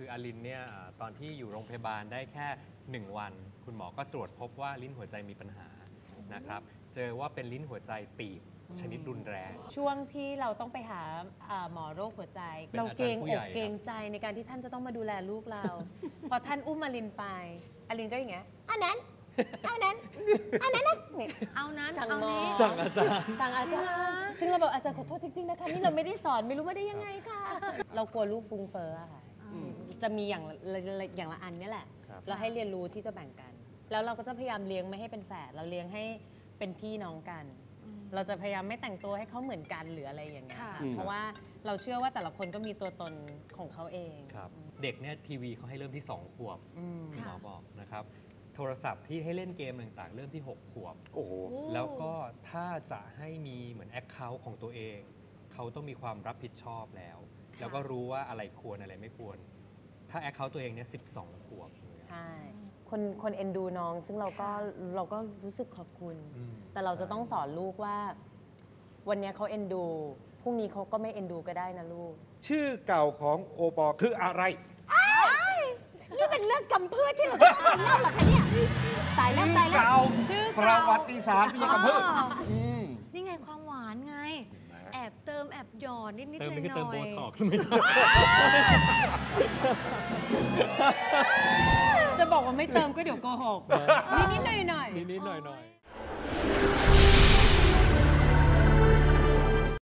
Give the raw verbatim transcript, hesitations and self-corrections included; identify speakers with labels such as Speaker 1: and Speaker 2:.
Speaker 1: คืออลินเนี่ยตอนที่อยู่โรงพยาบาลได้แค่หนึ่งวันคุณหมอก็ตรวจพบว่าลิ้นหัวใจมีปัญหานะครับเจอว่าเป็นลิ้นหัวใจตีบชนิดรุนแรง
Speaker 2: ช่วงที่เราต้องไปหาหมอโรคหัวใจเราเกรงอกเกรงใจในการที่ท่านจะต้องมาดูแลลูกเรา พอท่านอุ้มอลินไปอลินก็อย่างเงี้ยอันนั้นเอานั้นเอานั้นนะเนี่ย
Speaker 3: เอานั้น
Speaker 2: สั่ง
Speaker 3: เอา
Speaker 2: หมอ
Speaker 3: นี้
Speaker 1: สั่งอาจารย์
Speaker 2: สั่งอาจารย์ซึ่งเราบอกอาจารย์ขอโทษจริงๆนะคะนี่เราไม่ได้สอนไม่รู้ว่าได้ยังไงค่ะเรากลัวลูกฟุ้งเฟ้อค่ะจะมีอย่างอย่างละอันนี่แหละเราให้เรียนรู้ที่จะแบ่งกันแล้วเราก็จะพยายามเลี้ยงไม่ให้เป็นแฝดเราเลี้ยงให้เป็นพี่น้องกันเราจะพยายามไม่แต่งตัวให้เขาเหมือนกันหรืออะไรอย่างเงี้ยเพราะว่าเราเชื่อว่าแต่ละคนก็มีตัวตนของเขาเอง
Speaker 1: ครับเด็กเนี่ยทีวีเขาให้เริ่มที่สองขวบคุณหมอบอกนะครับโทรศัพท์ที่ให้เล่นเกมต่างๆเริ่มที่หกขวบ
Speaker 4: โอ้โห
Speaker 1: แล้วก็ถ้าจะให้มีเหมือนแอคเคาท์ของตัวเองเขาต้องมีความรับผิดชอบแล้วแล้วก็รู้ว่าอะไรควรอะไรไม่ควรถ้าแอคเคาท์ตัวเองเนี่ยสิบสองขวบ
Speaker 2: ใช่คนคนเอ็นดูน้องซึ่งเราก็เราก็รู้สึกขอบคุณแต่เราจะต้องสอนลูกว่าวันนี้เขาเอ็นดูพรุ่งนี้เขาก็ไม่เอ็นดูก็ได้นะลูก
Speaker 4: ชื่อเก่าของโอปอคืออะไร
Speaker 2: นี่เป็นเรื่องกำพืชที่เราต้องมาเล่าเหรอคะเนี่ยตายแล้วตายแล้ว
Speaker 4: ชื่อประวัติศาสตร์ไม่ใช่กำพืช
Speaker 3: นี่ไงความหวานไงแอบเติมแอบหยอดนิดนิดหน่อย
Speaker 1: เติมไม่ใช่เติมโบท็อกซ์ไม่ใช่
Speaker 2: จะบอกว่าไม่เติมก็เดี๋ยวโกหกนิดนิดหน่อยหน่อย
Speaker 1: นิดนิดหน่อยหน่อย